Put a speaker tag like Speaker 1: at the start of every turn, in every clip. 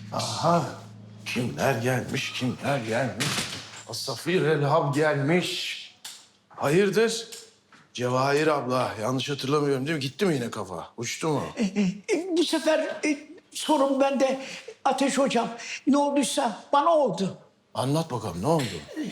Speaker 1: Aha. Kimler gelmiş, kimler gelmiş? Asafir Elhab gelmiş. Hayırdır? Cevahir abla, yanlış hatırlamıyorum değil mi? Gitti mi yine kafa? Uçtu mu?
Speaker 2: Bu sefer sorun bende Ateş Hocam. Ne olduysa bana oldu.
Speaker 1: Anlat bakalım, ne oldu?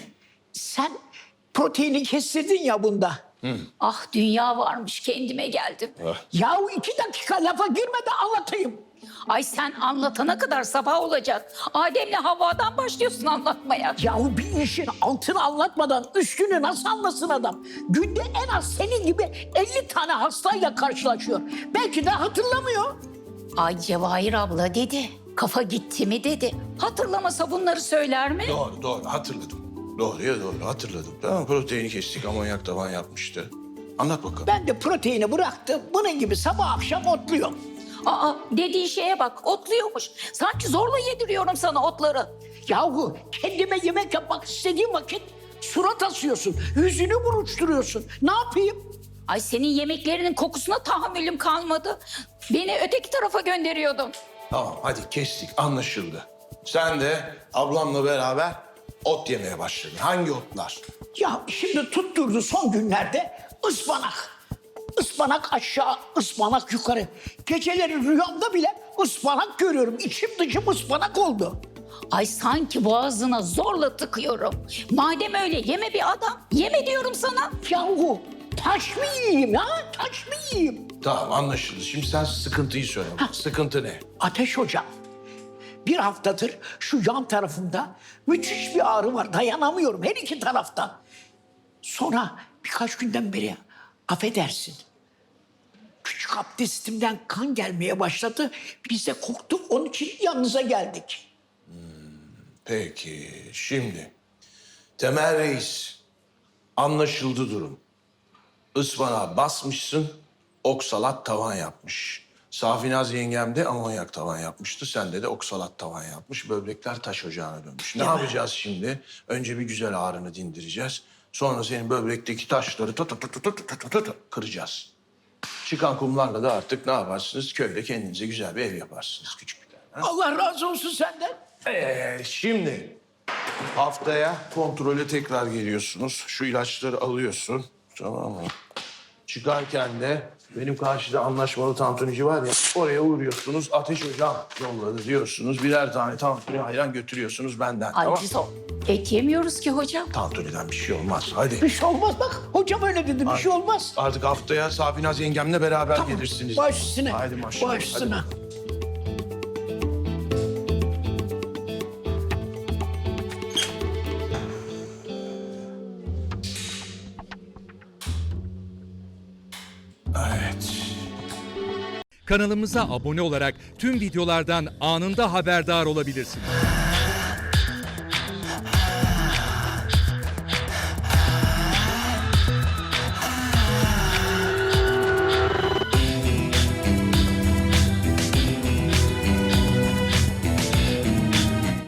Speaker 2: Sen proteini kestirdin ya bunda.
Speaker 3: Ah dünya varmış kendime geldim.
Speaker 2: Yahu 2 dakika lafa girme de anlatayım.
Speaker 3: Ay sen anlatana kadar sabah olacak. Adem'le Havva'dan başlıyorsun anlatmaya.
Speaker 2: Yahu bir işin altını anlatmadan üstünü nasıl anlasın adam? Günde en az senin gibi 50 tane hastayla karşılaşıyor. Belki de hatırlamıyor.
Speaker 3: Ay Cevahir abla dedi. Kafa gitti mi dedi. Hatırlamasa bunları söyler mi?
Speaker 1: Doğru, hatırladım. Doğru, hatırladım. Tamam, proteini kestik, amonyak tavan yapmıştı. Anlat bakalım.
Speaker 2: Ben de proteini bıraktım. Bunun gibi sabah akşam otluyorum.
Speaker 3: Aa dediği şeye bak otluyormuş. Sanki zorla yediriyorum sana otları.
Speaker 2: Yahu kendime yemek yapmak istediğim vakit surat asıyorsun. Yüzünü buruşturuyorsun. Ne yapayım?
Speaker 3: Ay senin yemeklerinin kokusuna tahammülüm kalmadı. Beni öteki tarafa gönderiyordun.
Speaker 1: Tamam, hadi kestik, anlaşıldı. Sen de ablamla beraber ot yemeye başladın. Hangi otlar?
Speaker 2: Ya şimdi tutturdu son günlerde ıspanak. Ispanak aşağı, ıspanak yukarı. Geceleri rüyamda bile ıspanak görüyorum. İçim dışım ıspanak oldu.
Speaker 3: Ay sanki boğazına zorla tıkıyorum. Madem öyle yeme bir adam. Yeme diyorum sana.
Speaker 2: Yahu taş mı yiyeyim ha? Taş mı yiyeyim?
Speaker 1: Tamam, anlaşıldı. Şimdi sen sıkıntıyı söyle. Sıkıntı ne?
Speaker 2: Ateş Hocam, bir haftadır şu yan tarafımda müthiş bir ağrı var. Dayanamıyorum her iki taraftan. Sonra birkaç günden beri affedersin. Küçük abdestimden kan gelmeye başladı. Biz de korktuk, onun için yanınıza geldik.
Speaker 1: Peki, şimdi Temel Reis, anlaşıldı durum. Ispanağa basmışsın, oksalat tavan yapmış. Safinaz yengem de amonyak tavan yapmıştı. Sende de oksalat tavan yapmış. Böbrekler taş ocağına dönmüş. Ne yapacağız şimdi? Önce bir güzel ağrını dindireceğiz. Sonra senin böbrekteki taşları kıracağız. Çıkan kumlarla da artık ne yaparsınız? Köyde kendinize güzel bir ev yaparsınız, küçük bir tane. Ha?
Speaker 2: Allah razı olsun senden.
Speaker 1: Şimdi haftaya kontrole tekrar geliyorsunuz. Şu ilaçları alıyorsun. Tamam mı? Çıkarken de benim karşıda anlaşmalı tantunici var ya, oraya uğruyorsunuz. Ateş Hocam yolladı diyorsunuz. Birer tane tantuni ayran götürüyorsunuz benden.
Speaker 3: Ay
Speaker 1: tamam.
Speaker 3: biz o et yemiyoruz ki hocam.
Speaker 1: Tantuniden bir şey olmaz. Hadi.
Speaker 2: Bir şey olmaz bak. Hocam öyle dedi, bir şey olmaz.
Speaker 1: Artık haftaya Safinaz yengemle beraber gelirsiniz.
Speaker 2: Baş üstüne.
Speaker 1: Haydi maşallah.
Speaker 2: Baş üstüne.
Speaker 1: Hadi. Evet.
Speaker 4: Kanalımıza abone olarak tüm videolardan anında haberdar olabilirsiniz.